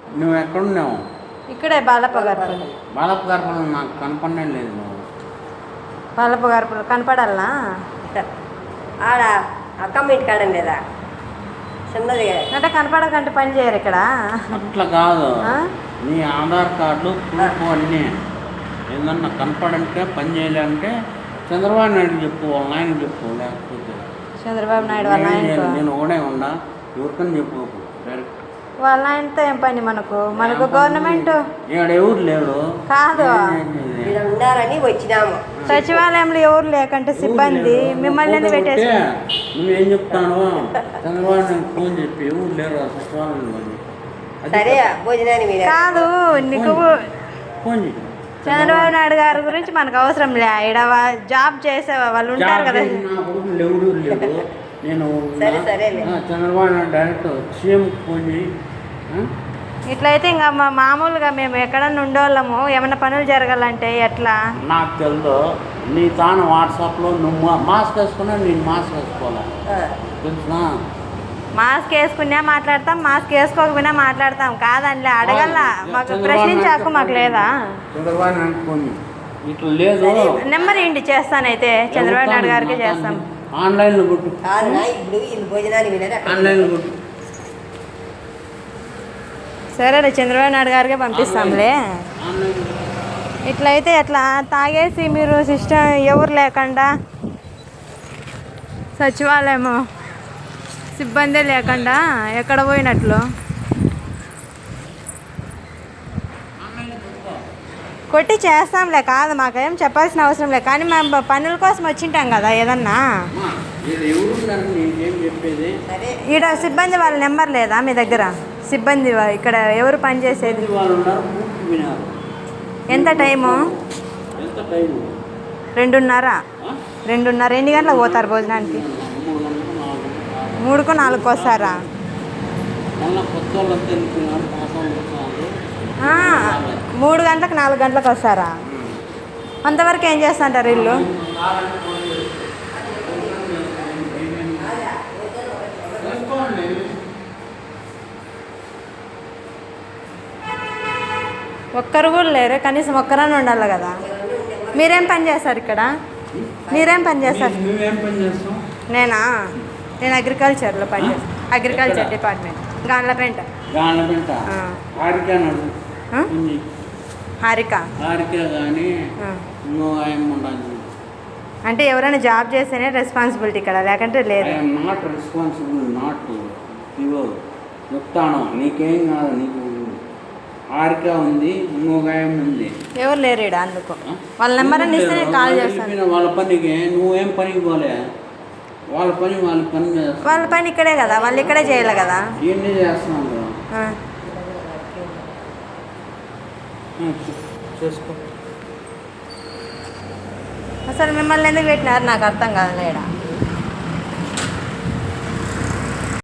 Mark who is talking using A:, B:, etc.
A: నువ్వు ఎక్కడున్నావు?
B: ఇక్కడే బాలప్పగారిపల్లి.
A: బాలప్పగారిపల్లి నాకు కనపడనే లేదు. నువ్వు
B: బాలప్పగారిపల్లి కనపడాలనా?
C: ఆడ అక్కమ్మ ఇంటి కాడం లేదా చిన్నది
B: అంటే కనపడకంటే పని చేయరు ఇక్కడ.
A: అట్లా కాదు, నీ ఆధార్ కార్డు ప్రూఫ్ అన్నీ ఏదన్నా కనపడంటే పని చేయాలంటే చంద్రబాబు నాయుడు చెప్పు, వాళ్ళ ఆయన చెప్పు. లేకపోతే
B: చంద్రబాబు నాయుడు వాళ్ళ ఆయన
A: నేను ఒకడే ఉన్నా, ఎవరికని చెప్పు డైరెక్ట్.
B: వాళ్ళ ఆయనతో ఏం పని మనకు? మనకు గవర్నమెంట్
A: ఇక్కడ ఎవరు లేడు
B: కాదు,
C: ఉండాలని వచ్చినాము.
B: సచివాలయంలో ఎవరు లేకంటే సిబ్బంది మిమ్మల్ని పెట్టేసి
A: నువ్వేం చెప్తాను? చంద్రబాబు నాయుడు ఫోన్ చెప్పి ఎవరు లేరు సచివాలయంలో.
C: సరే భోజనాన్ని
B: కాదు, నీకు
A: ఫోన్ చెప్పి
B: చంద్రబాబు నాయుడు గారి గురించి మనకు అవసరం లే. ఇక్కడ జాబ్ చేసే వాళ్ళు ఉంటారు కదా.
A: ఎవరు లేరు. నేను Chandrababu Naidu direct CM phone చేయి.
B: ఇట్లయితే ఇంకా మామూలుగా మేము ఎక్కడన్నా ఉండేవాళ్ళము, ఏమన్నా పనులు జరగాలంటే ఎట్లా?
A: నాకు తెలుసు. నీ తాను వాట్సాప్లో నువ్వు మాస్క్ వేసుకున్నా, నేను మాస్క్ వేసుకోవాలా తెలుసునా?
B: మాస్క్ వేసుకున్నా మాట్లాడతాం, మాస్క్ వేసుకోకపోయినా మాట్లాడతాం. కాదండి అడగల్లా, మాకు ప్రశ్నించే హక్కు మాకు లేదా?
A: చంద్రబాబు నాయుడు ఫోన్ ఇట్లా లేదు.
B: నెంబర్ ఏంటి చేస్తానైతే చంద్రబాబు నాయుడు గారికి చేస్తాం.
A: ఆన్లైన్లో కొట్టు.
C: ఇప్పుడు వీళ్ళు భోజనాన్ని
A: ఆన్లైన్లో కొట్టు.
B: సరే చంద్రబాబు నాయుడు గారికి పంపిస్తాంలే. ఇట్లయితే ఎట్లా తాగేసి మీరు సిస్టమ్ ఎవరు లేకుండా, సచివాలయము సిబ్బంది లేకుండా ఎక్కడ పోయినట్లు? కొట్టి చేస్తాంలే, కాదు మాకేం చెప్పాల్సిన అవసరం లేదు. కానీ మేము పనుల కోసం వచ్చింటాం కదా ఏదన్నా. ఈడ సిబ్బంది వాళ్ళ నెంబర్ లేదా మీ దగ్గర? సిబ్బంది ఇక్కడ ఎవరు పనిచేసేది? ఎంత టైము? 2:30. ఎన్ని గంటలకు పోతారు భోజనానికి? 3కు 4కు వస్తారా? 3 గంటలకు 4 గంటలకు వస్తారా? అంతవరకు ఏం చేస్తుంటారు ఇల్లు? ఒక్కరు కూడా లేరు, కనీసం ఒక్కరని ఉండాలి కదా. మీరేం పని చేస్తారు ఇక్కడ? మీరేం పని చేస్తారు? నేను అగ్రికల్చర్లో పని చేస్తాను. Agriculture department, గాన్లపేంట. హారిక అంటే ఎవరైనా జాబ్ చేస్తేనే రెస్పాన్సిబిలిటీ ఇక్కడ, లేకంటే లేదు.
A: నాట్ రెస్పాన్సిబుల్, నాట్ చెప్తాను. నీకేం కాదు, నీకు హారిక ఉంది, ఇంకోగాయం ఉంది.
B: ఎవరు లేరు ఇక్కడ, అందుకు వాళ్ళ నెంబర్ అని ఇస్తే నేను కాల్ చేస్తాను.
A: వాళ్ళ పనికి నువ్వేం పనికి పోలే, వాళ్ళ పని
B: వాళ్ళ పని ఇక్కడే కదా, వాళ్ళు ఇక్కడే చేయాలి కదా.
A: ఏంటి చేస్తున్నాను చేసుకో.
B: అసలు మిమ్మల్ని ఎందుకు పెట్టినారు నాకు అర్థం కాదు. లేడా